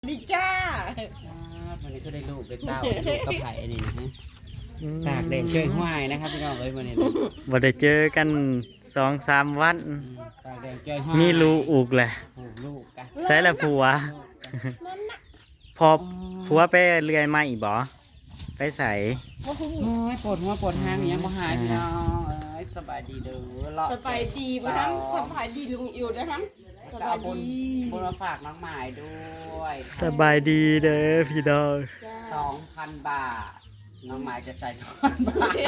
ดีจ้าวันนี้ก็ได้ลูกได้เต้าลูกกระไผ่นี่นะฮะตากแดงเจ้ยห้วยนะครับพี่น้องเอ้ยวันนี้บ่ได้เจอกัน2-3 วันตากแดงเจ้ยห้วยมีรูอุกแหละลูกกันใส่ละผัวพอผัวไปเลื่อยมาอีกบ่ไปใส่โอ้ยปวดหัวปวดหางยังบ่หายพี่น้องเอ้ยสบายดีเด้อสบายดีบ่ทั้งสบายดีลุงอิวนะทั้งสบายดีบุญมาฝากน้องหมายด้วยสบายดีเด้อพี่น้อง 2,000 บาทน้องหมายจะใส่2,000 บาท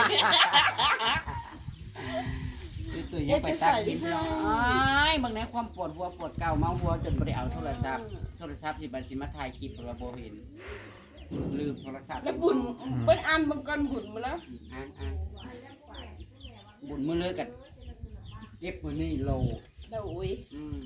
ตัวยังไปตักดินน้อยบางในความปวดหัวปวดเก่าเมาหัวจนบ่ได้เอาโทรศัพท์ที่บัญชีมาถ่ายคลิปแล้วบ่เห็นลืมโทรศัพท์แล้วบุญเปิ้นอ่านบางก่อนบุญมาแล้วอ่านบุญมื้อเลยกันเก็บมื้อนี้โลแล้วโอ้ย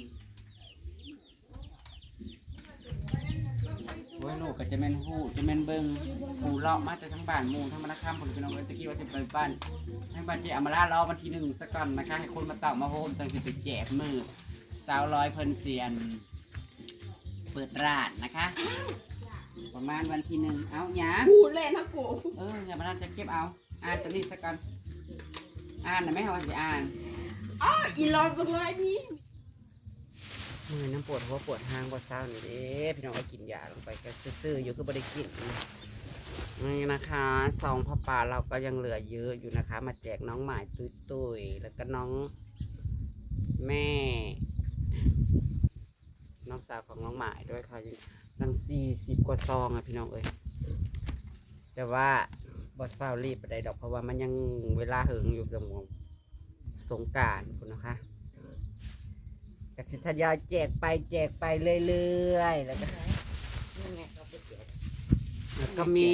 โอ้ยลูกก็จะแม่นฮู้จะแม่นเบิ่งฮู้เลาะมาจากทั้งบ้านหมู่ทั้งมะนครผมพี่น้องเอ้ยตะกี้ว่าสิไปบ้านทั้งบ้านที่อำมาลารอวันที่1ซะก่อนนะคะให้คนมาเต่ามาโฮมจังสิไปแจกมื้อสาวร้อยเพิ่นเซียนเปิดร้านนะคะประมาณวันที่1เอาหยังพูดเล่นนะกูอย่ามาจะเก็บเอาอ่านตัวนี้ซะก่อนอ่านน่ะไม่เฮาสิอ่านอีลอยบ่ลอยนี่มือน้ำปวดหัวปวดหางปวดเศร้านี่เด้พี่น้องก็กินยาลงไปก็ซื่อๆอยู่ก็บ่ได้กินนี่นะคะซองผ้าป่าเราก็ยังเหลือเยอะอยู่นะคะมาแจกน้องหมายตุ้ยๆแล้วก็น้องแม่น้องสาวของน้องหมายด้วยค่ะยังตั้ง40 กว่าซองอ่ะพี่น้องเอ้ยแต่ว่าบอสเฝ้ารีบไปได้ดอกเพราะว่ามันยังเวลาเหิงอยู่ตรงสงกรานต์คุณนะคะกสิทยาแจกไปเรื่อยๆแล้วก็มี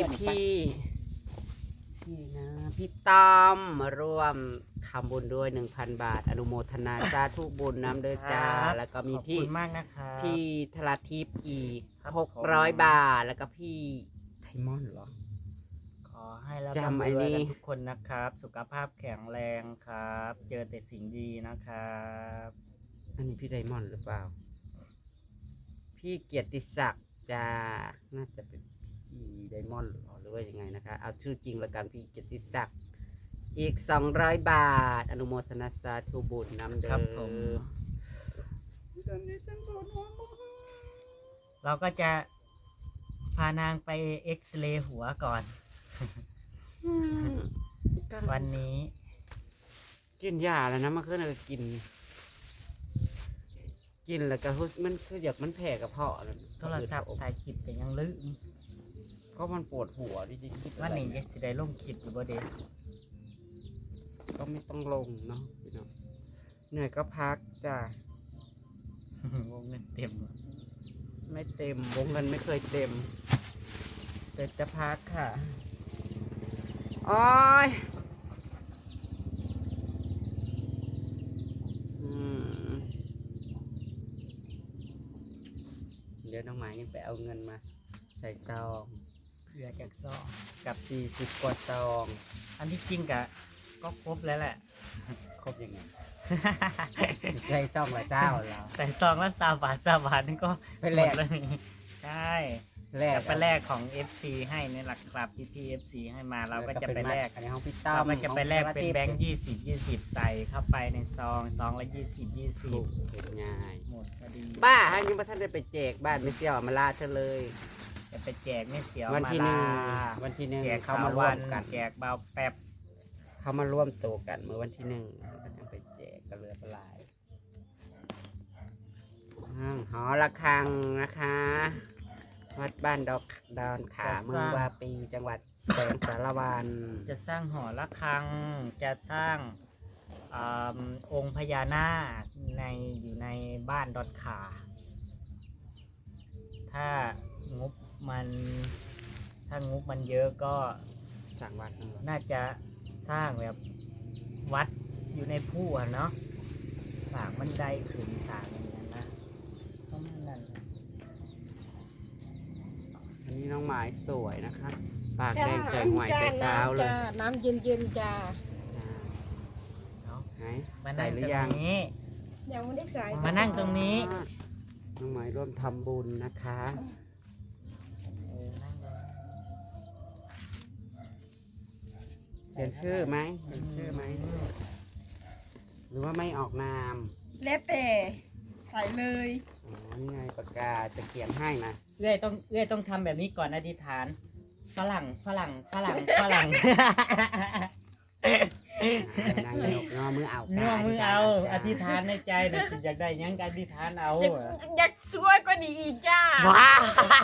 พี่ต้อมมาร่วมทำบุญด้วย 1,000 บาทอนุโมทนาสาธุบุญน้ำเด้อจ้าแล้วก็มีพี่มากนะคะพี่ธราทิพย์อีก600 บาทแล้วก็พี่ไทมอนเหรอขอให้รับรวยกันทุกคนนะครับสุขภาพแข็งแรงครับเจอแต่สิ่งดีนะครับอันนี้พี่ไดมอนด์หรือเปล่าพี่เกียรติศักดิ์จ้าน่าจะเป็นพี่ไดมอนด์หรือว่ายังไงนะคะเอาชื่อจริงละกันพี่เกียรติศักดิ์อีก200 บาทอนุโมทนาสาธุบุญนำเดิมเราก็จะพานางไปเอ็กซเรย์หัวก่อนวันนี้กินยาแล้วนะมาขึ้นกินแล้วก็มันคืออยากมันแผ่กับเพาะโทรศัพท์ถ่ายคลิปแต่ยังลืมก็มันปวดหัวจริงๆวันนี้จะสิได้ลงคลิปหรือบ่เด้ก็ไม่ต้องลงเนาะพี่น้องเหนื่อยก็พักจ้ะวงเงินเต็มไม่เต็มวงเงินไม่เคยเต็มแต่จะพักค่ะโอ้ยเดี๋ยวน้องหมายยังไปเอาเงินมาใส่ซองเหลือจากซองกับ40 กว่าซองอันที่จริงก็ครบแล้วแหละครบยังไงใส่ซองละเจ้าแล้วใส่ซองละ20 บาทนี่ก็ไปแลกเลยใช่ไปแลกของ FC ให้ในหลักครับพี่ FC ให้มาเราก็จะไปแลกอันนี้ของพี่ต้อมเราจะไปแลกเป็นแบงค์20ใส่เข้าไปในซองละ20 เป็นง่ายหมดก็ดีบ้าฮะยังไม่ทันได้ไปแจกบ้านไม่เสี่ยวมาลาเธอเลยจะไปแจกไม่เสียววันที่1แจกเขามาร่วมกันแจกเบาแป๊บเขามาร่วมโตกันเมื่อวันที่1ก็จะไปแจกกระเลือปลายหอระฆังนะคะวัดบ้านดอนขาเมืองวาปีจังหวัดแสงสารวันจะสร้างหอระฆังจะสร้างองค์พญานาคอยู่ในบ้านดอนขาถ้างบมันเยอะก็สร้างวัดน่าจะสร้างแบบวัดอยู่ในผู้เนาะสร้างบันไดขึ้นสร้างอย่างนั้นนะประมาณนั้นอันนี้น้องหมายสวยนะคะปากแดงใจหวยไปเช้าเลยน้ำเย็นจ้าไหนใส่หรือยังยังไม่ได้ใส่มานั่งตรงนี้น้องหมายร่วมทำบุญนะคะนั่งเลยเขียนชื่อไหมเขียนชื่อไหมหรือว่าไม่ออกนามแล้วแต่ใส่เลยอ๋อนี่ไงปากกาจะเขียนให้นะเอื้อยต้องทำแบบนี้ก่อนอธิษฐานฝรั่งนางยกงอมือเอาเนื้อมือเอาอธิษฐานในใจนะสิอยากได้หยังก็อธิษฐานเอาอยากสวยกว่านี้อีกจ้าว้าน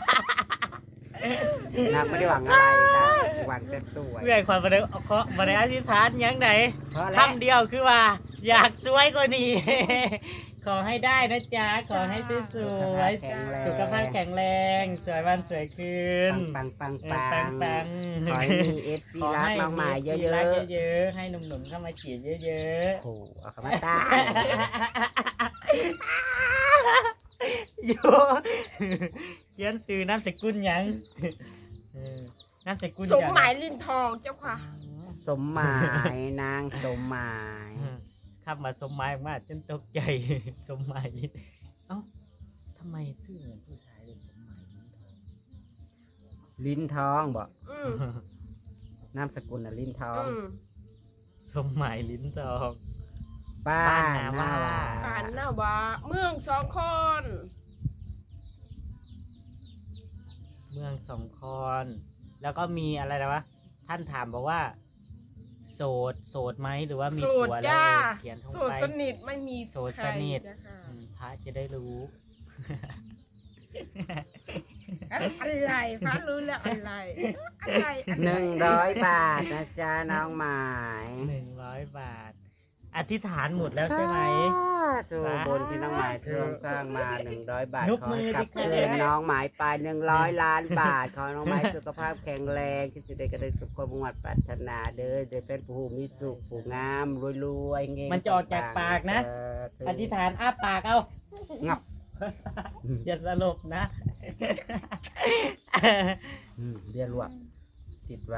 างไม่ได้หวังอะไรค่ะหวังแต่สวยเอื้อยความบ่ได้อธิษฐานหยังไดเพราะอะไรคำเดียวคือว่า อยากสวยกว่านี้ ขอให้ได้นะจ๊ะขอให้สวยๆสุขภาพแข็งแรงสวยวันสวยคืนปังปังขอให้มีเอฟซีรักน้องหมายเยอะรักเยอะๆให้หนุ่มๆเข้ามาฉีดเยอะๆโอ้โหเอาคำว่าตายๆอยู่เขียนสื่อนามสกุลหยังนามสกุลสมหมายลินทองเจ้าค่ะสมหมายนางสมหมายขับมาสมหมายมากจนตกใจ สมหมายลิ้นเอ้าทำไมชื่อเหมือนผู้ชายเลยสมหมายลิ้นทองลิ้นทองบอกอืมนามสกุลน่ะลิ้นทองอืมสมหมายลิ้นทองป้าบ้านนาหน้าว่าว่าผ่านหน้าว่าเมืองสองคนเมืองสองคอนแล้วก็มีอะไรนะวะท่านถามบอกว่า โสดไหมหรือว่ามีโสผัดวแล้วจ้าเขียนทงโสดไปสนิทไม่มีโสดสนิทใครจ้ะค่ะพระจะได้รู้อะไรพระรู้แล้วอะไรอะไร 100 บาทนะจ๊ะน้องหมาย 100 บาท อธิษฐานหมดแล้วใช่ไหมดูบนที่น้องหมายเครื่องสร้างมา100 บาทยกขอมือให้กลับดิคืนค่ะน้องหมายไป100 ล้านบาท ขอน้องหมายสุขภาพแข็งแรงที่สุดได้กระได้สุขความมุ่งมั่นปรารถนาเด้อเดี๋ยวเป็นผู้มีสุขผู้งามรวยๆเงี้ยมันจะออกจากปากนะ อธิษฐานอ้าปากเอางับอย่าสลบนะเรียนรวบติดไว้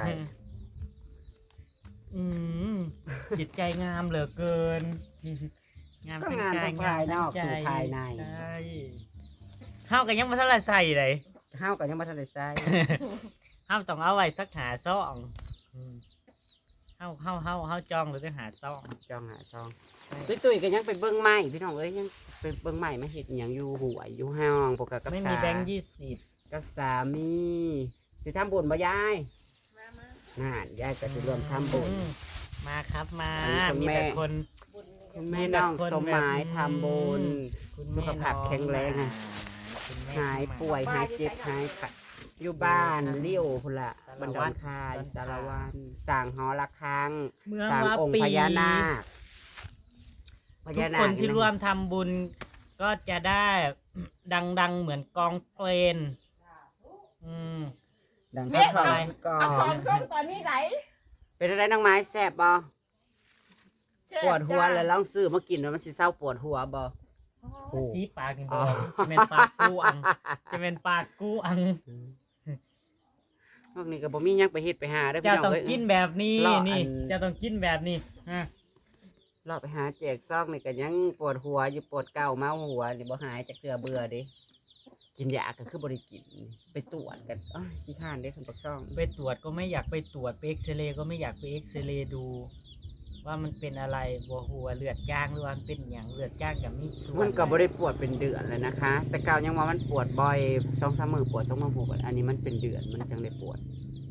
อืมจิตใจงามเหลือเกิน งามก็ทั้งงานใจทั้งภายนอกงามสู่ทั้งใจภายในใช่เฮากันยังมาเท่าไหรใส่เลยเฮากับยังมาทันได้ใส่เฮาต้องเอาไว้สักหาซ่องอืมเฮาจองหรือจะหาซ่องจองหาซองตุ้ยๆก็ยังไปเบิ่งไม้พี่น้องเอ้ยยังไปเบิ่งไม้มาเฮ็ดหยังอยู่หัวอยู่ห้องปกติกับไม่สามีแบงค์20 กับสามีสิทำบุญบ่ยายน่ายายก็สิรวมทำบุญมาครับมาอันนี้คุณมีแม่แต่คนคุณแม่น้องสมหมายทำบุญคุณแม่สุขภาพแข็งแรงน้ออะคุณแม่หายป่วยหายเจ็บหายขัดอยู่บ้านเลี้ยวพุ่นละบันดอนคายสารวันสั่งหอระฆังเมืองสั่งว่าองค์ปีพญานาคพทุญาก นาคคนที่ร่วมทำบุญก็จะได้ดังเหมือนกองเพลนอืมดังเม็ดท่าเอานก่อเอาสองนส้มตอนนี้ไหนเป็นอะไรน้องไม้แซ่บบ่แซ่บปวดหัวจ้าแล้วลองซื้อมากินแล้วมันสิเศร้าปวดหัวบ่ โอ้สีปากนี่บอ๋ออกจะเป็นปากกูอัง จะเป็นปากกูอังพวกนี้ก็บ่มีหยังไปเฮ็ดไปหาเด้อเจ้าพี่น้องต้องเอ้ยกินแบบนี้รออันนี่เจ้าต้องกินแบบนี้ฮะเราไปหาแจกซองนี่ก็ยังปวดหัวอยู่ปวดเก่าเมาหัวนี่บ่หายจะเกลือเบื่อเด้กินยาก็คือบ่ได้กินไปตรวจกันอ้าวขี้ข้านเด้คันปักซองไปตรวจก็ไม่อยากไปตรวจไปเอ็กซเรย์ก็ไม่อยากไปเอ็กซเรย์ดู ว่ามันเป็นอะไรบัวหัวเลือดจ้างหรือว่ามันเป็นอย่างเลือดจ้างกับมีส่วนมันก็บ่ได้ปวดเป็นเดือนเลยนะคะ แต่เก่ายังว่ามันปวดบ่อย2-3มื้อปวด2-3มื้ออันนี้มันเป็นเดือนมันจังได้ปวด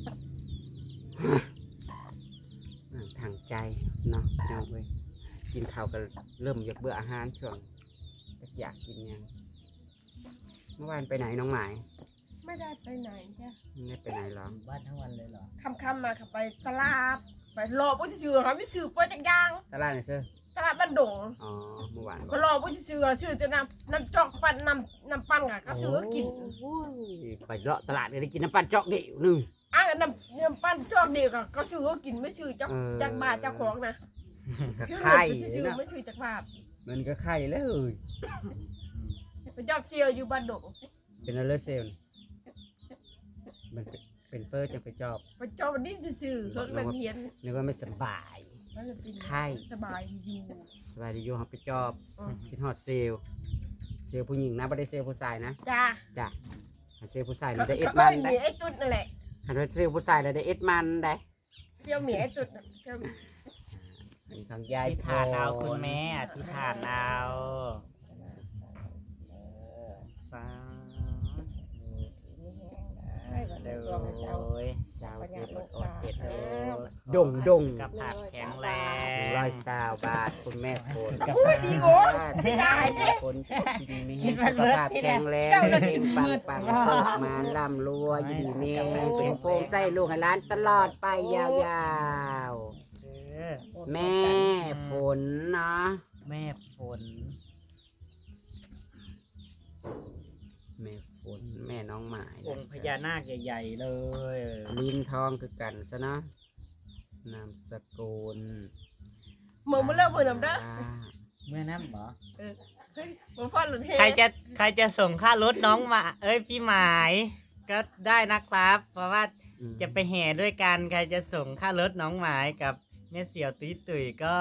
ทางใจเนาะพี่น้องเว้ยกินข้าวก็เริ่มอยากเบื่ออาหารช่วงอยากกินหยังเมื่อวานไปไหนน้องหมายไม่ได้ไปไหนจ้ะไม่ได้ไปไหนหรออยู่บ้านทั้งวันเลยเหรอค่ำๆมาขับไปตลาดไปรอผู้ซื้อเขาไม่ซื้อเปิดจักอยางตลาดไหนเชื่อตลาดบ้านดงอ๋อเมื่อวานบก็อกรอผู้ซื้อแต่น้ำจอกปั่นน้ำปั่นค่ะก็ซื้อกินโอ้ยไปเลาะตลาดก็ได้กินน้ำปั่นจอกเดียวหนึงอ่ะน้ำปั่นจอกเดียวก็ซื้อกินไม่ซื้อจากเออจากบาทจากของนะก็ซื้อไข่ซื้อเนาะไม่ซื้อจากบาทมันก็ไข่แล้วเอ้ยไปจอบเซียวอยู่บ้านดงเป็นอะไรเซลล์มันเป็นเปอร์จังไปจอบไปจอบวันนี้ซื้อรถมันเฮียนนึกว่าไม่สบายมันจะเป็นไข้สบายอยู่สบายดีอยู่ครับไปจอบอืมคิดฮอดเซลล์เซลล์ผู้หญิงนะไม่ได้เซลล์ผู้ชายนะจ้าจ้ะเซลล์ผู้ชายเขานี่ได้เอ็ดเอ้มัยนหมีได้ไอ้จุดนั่นแหละคันว่าเซลล์ผู้ชายได้เอ็ดมันได้เซี่ยวหมีไอ้จุดเซี่ยวอันนี้ของยายที่ฐานเอาคุณแม่ที่ฐานเอาสาให้กับเดี๋ยวตัวของเจ้าสาวเจ็บอดเผ็ดเลยดงกับผัดแข็งแรง 120 บาทคุณแม่โคนพูดดีโว้ไม่ได้เด้คนกินมีให้สุขภาพแข็งแรงเก่งปังปังเสิร์ฟมาล่ำรวยอยู่ดีมีเป็นโปงใส่ลูกให้ร้านตลอดไปยาวๆ แม่ฝนเนาะแม่ฝนแม่ฝนแม่น้องหมายองค์พญานาคใหญ่ๆเลยลิ้นทองคือกันซะเนาะนามสกุลมึงมาเลิกมือนำเด้อเมื่อน้ำเหรอเฮ้ยมึงพ่อหลุดเฮใครจะส่งค่ารถน้องมาพี่หมายก็ได้นะครับ เพราะว่าจะไปแห่ด้วยกันใครจะส่งค่ารถน้องหมายกับแม่เสี่ยวตุ้ยตุ๋ย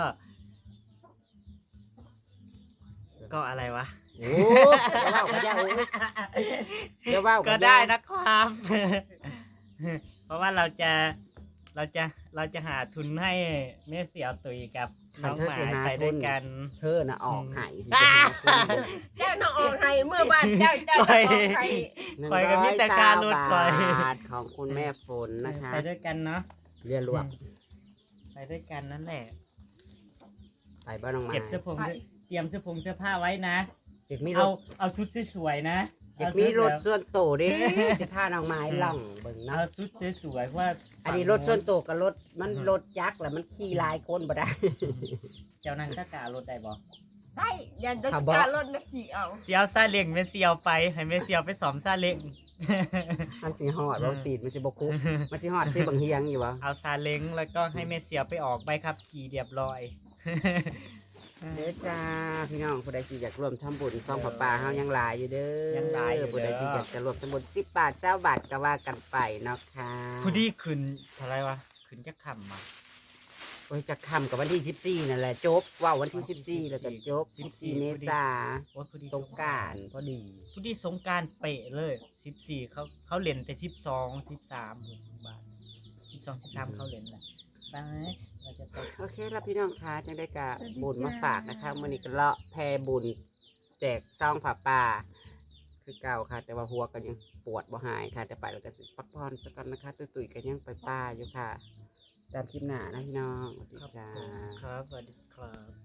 ก็อะไรวะโอ้จะว่าก็จะโอ้จะว่าก็ได้นะครับ เพราะว่าเราจะหาทุนให้แม่เสี่ยวตุ๋ยกับน้องหมายไปด้วยกันเธอน่ะออกไห้สิเจ้าน้องออกให้เมื่อบ้านเจ้าออกให้คอยกับพี่แต่การรถคอยบาทของคุณแม่ฝนนะคะไปด้วยกันเนาะเรียนรวมไปด้วยกันนั่นแหละไปบ้านน้องหมายเก็บเสื้อผงเตรียมเสื้อผ้าไว้นะเด็กมีรเอาถชุดสวยๆนะเด็กมีรถส่วนโตวดิจะพาน้องหมายล่องเบิ่งเอาเนาะชุดสวยๆเพราะว่าอันนี้รถส่วนโตวกับรถมันรถยักษ์แหละมันขี่หลายคนบ่ได้เจ้านั่งตะการถได้บ่ได้ยันจะการลดนักสีเอาเสียวซาเล้งแม่เสียวไปให้แม่เสียวไปสอมซาเล้งมันสิฮอดบ่ตีดมันสิบ่คุกมันสิฮอดสิบังเฮียงอยู่บ่เอาซาเล้งแล้วก็ให้แม่เสียวไปออกใบขับขี่เรียบร้อยเด้อจ้าพี่น้องผู้ใดที่อยากร่วมทำบุญซองผ้าป่าเฮายังหลายอยู่เด้อยังหลายอยู่เด้อผู้ใดที่อยากจะร่วมทำบุญ10 บาท20 บาทก็ว่ากันไปเนาะค่ะผู้ดีขึ้นเท่าไรวะขึ้นจะคำมาโอ้ยจะค่ำกับวันที่14นั่นแหละจบว้าววันที่14แล้วก็จบ14เมษาโอ้ยผู้ดีสงกรานต์พอดีผู้ดีสงกรารเป๊ะเลย14เขาเล่นแต่12 13 บาท12 13เขาเล่นแหละไปเราจะไปโอเคแล้วพี่น้องคะจังได้กะบุญมาฝากนะคะมื้อนี้ก็เลาะแพรบุญแจกซองผ้าป่าคือเก่าค่ะ แต่ว่าหัวก็ยังปวดบ่หายค่ะแต่ไปแล้วก็สิพักผ่อนสักก่อนนะคะตุ้ยๆก็ยังไปป่าอยู่ค่ะ ตามคลิปหน้านะพี่น้องสวัสดีครับจ้าผมครับสวัสดีครับ